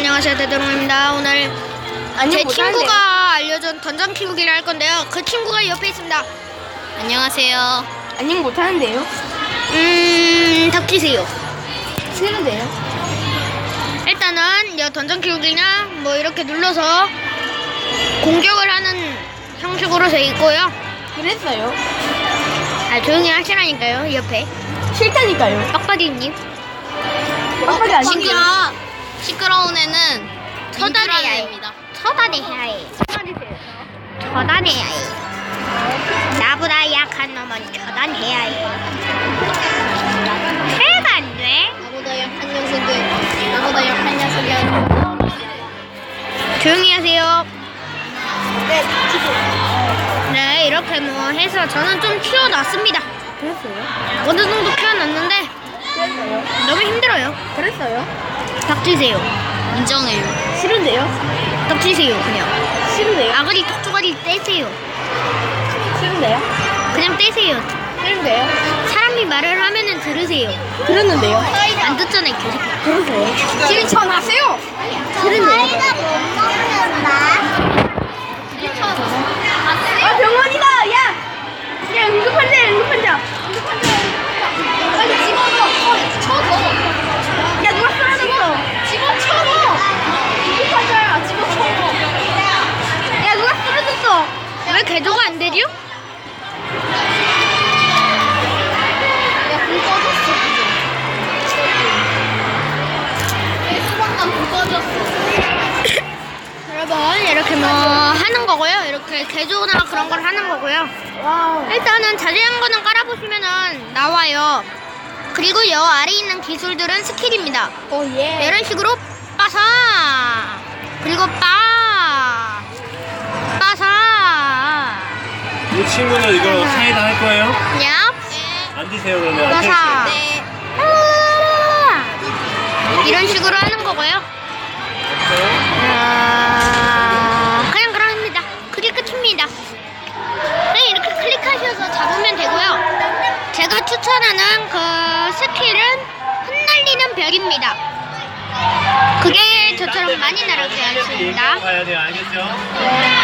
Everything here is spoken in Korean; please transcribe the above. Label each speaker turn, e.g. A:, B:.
A: 안녕하세요, 대도롱입니다. 오늘 제 친구가 알려준 던전 키우기를 할 건데요. 그 친구가 옆에 있습니다. 안녕하세요.
B: 안녕 못하는데요?
A: 닥치세요.
B: 싫은데요?
A: 일단은 이 던전 키우기나 뭐 이렇게 눌러서 공격을 하는 형식으로 되어 있고요.
B: 그랬어요.
A: 조용히 하시라니까요, 옆에.
B: 싫다니까요.
A: 빡빡이님.
B: 빡빡이 아니에요.
A: 시끄러운 애는 처단해야 해. 처단해야 해. 처단해야 해. 나보다 약한 놈은 처단해야 해. 해가 안 돼?
C: 나보다 약한 녀석이
A: 조용히 하세요. 네, 이렇게 뭐 해서 저는 좀 키워놨습니다.
B: 그랬어요?
A: 어느 정도 키워놨는데
B: 그랬어요?
A: 너무 힘들어요.
B: 그랬어요?
A: 닥치세요. 인정해요.
B: 싫은데요?
A: 닥치세요, 그냥.
B: 싫은데요?
A: 아가리 톡조가리 떼세요.
B: 싫은데요?
A: 그냥 떼세요.
B: 싫은데요?
A: 사람이 말을 하면은 들으세요.
B: 들었는데요?
A: 안 듣잖아요, 계속.
B: 그러세요? 실천하세요! 싫은데요? 아 병원이다! 야! 야 응급환자!
C: 빨리 집어넣어. 쳐줘.
B: 야 누가 쓰러졌어!
C: 집어쳐넣어. 응급환자야. 집어쳐넣어.
B: 야 누가 쓰러졌어!
A: 왜 개조가 안 되죠?
C: 야, 불 꺼졌어. 왜 소방관 불 꺼졌어?
A: 여러분, 이렇게 뭐 하는 거고요. 이렇게 개조나 그런 걸 하는 거고요.
B: 와우.
A: 일단은 자세한 거는 깔아보시면은 나와요. 그리고 여 아래 있는 기술들은 스킬입니다.
B: 오 예.
A: 이런 식으로 빠사, 그리고 빠사,
D: 이 친구는 이거 사이다 할 거예요?
A: 얍,
D: 앉으세요 그러면.
A: 빠사,
D: 앉으세요.
A: 이런 식으로 하는 거고요. 그냥 그럽니다. 그게 끝입니다. 그냥 이렇게 클릭하셔서 잡으면 되고요. 제가 추천하는 그 스킬은 흩날리는 벽입니다. 그게 저처럼 많이 날아가야
D: 얘기하고
A: 했습니다.
D: 가야 돼요. 알겠죠?